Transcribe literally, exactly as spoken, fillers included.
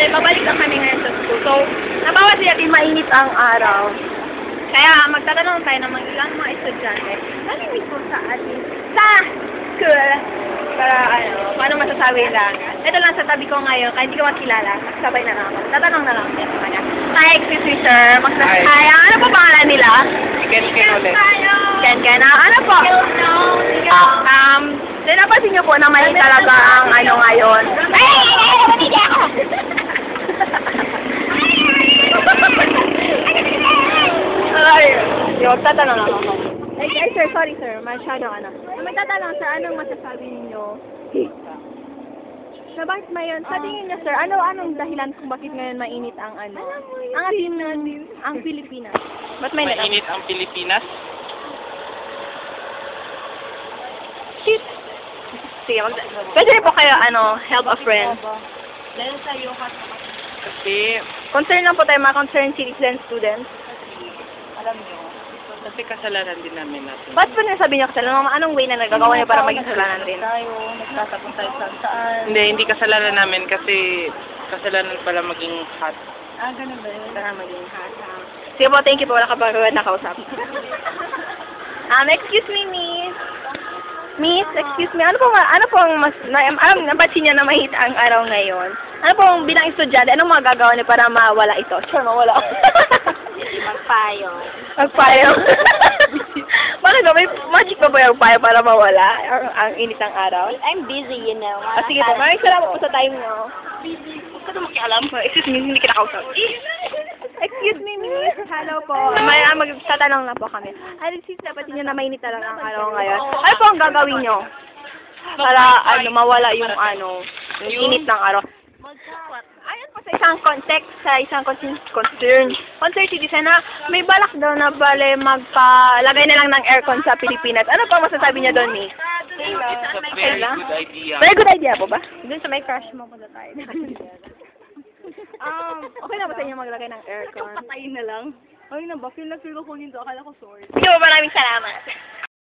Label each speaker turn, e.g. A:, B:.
A: Bale, babalik lang kami ngayon sa school. So, nabawas natin mainit ang araw. Kaya magtatanong tayo ng mga ilang mga estudyante. Nalimit po sa atin sa school. Para ano, paano masasabi lang. Ito lang sa tabi ko ngayon, kahit hindi ko makilala. Sabay na lang ako. Tatanong na lang ako sa kanya. Hi, excuse me sir. Magsasabi. Hi. Ano po pangalan nila?
B: Ken Ken ulit.
A: Ken Ken. Ah, ano po? Um, then napansin niyo po na may talaga ang ano ngayon. Ay! Ay! Yung tatanong lang ako. Ay, ay, sir, sorry sir. Masyado ano. Magtatanong sir, anong masasabi ninyo? Na bakit ngayon, sa tingin niyo sir, ano anong dahilan kung bakit ngayon mainit ang ano? Ang ating ang Pilipinas. Ba't may
B: Mainit ang Pilipinas?
A: Shit. Sige, mag pwede rin po kayo, ano, help a friend.
C: Dahil sa'yo,
B: Kasi,
A: Concern lang po tayo, mga concerned citizen students.
C: alam nyo,
B: kasi kasalanan din namin natin.
A: Ba't po nasabi niyo kasalanan? Anong way na nagagawa niyo para maging kasalanan rin?
C: tayo, nagtatapon tayo saan saan.
B: Hindi, hindi kasalanan namin kasi kasalanan pala maging hot.
C: Ah, ganun ba yun?
A: Para maging hasa. Sige po, thank you po. Wala ka ba nakausap? um, excuse me, miss. Miss, excuse me. Ano po, ano po ang mas, na, alam, napansin niyo na mahit ang araw ngayon? Ano po bilang estudyante, anong magagawa niyo para mawala ito? Sure, mawala.
C: Magpayo.
A: Magpayo. Bakit ba? May magic ba ba yung payo para mawala ang, ang init ng araw?
C: I'm busy, you know.
A: Ah, sige po, maraming salamat po sa time niyo. Huwag ka na makialam. Excuse me, hindi kita kausap. Excuse me, miss. Hello po. May ah, magtatanong lang po kami. Ay, sis, dapat niyo na mainit talaga ang araw ngayon. Ano po ang gagawin niyo? Para ano, mawala yung ano, yung init ng araw. Ayon po sa isang context, sa isang concern, concern, concern citizen na may balak daw na bale magpalagay na lang ng aircon sa Pilipinas. Ano po ang masasabi niya doon, miss?
B: It's a very good idea.
A: Very good idea po ba? Doon sa may crush mo po na tayo. um, okay na ba sa inyo maglagay ng aircon?
C: Patayin na lang. Ay, na ba? Feel na feel ko kung hindi. Akala ko sorry.
A: Sige po, maraming salamat.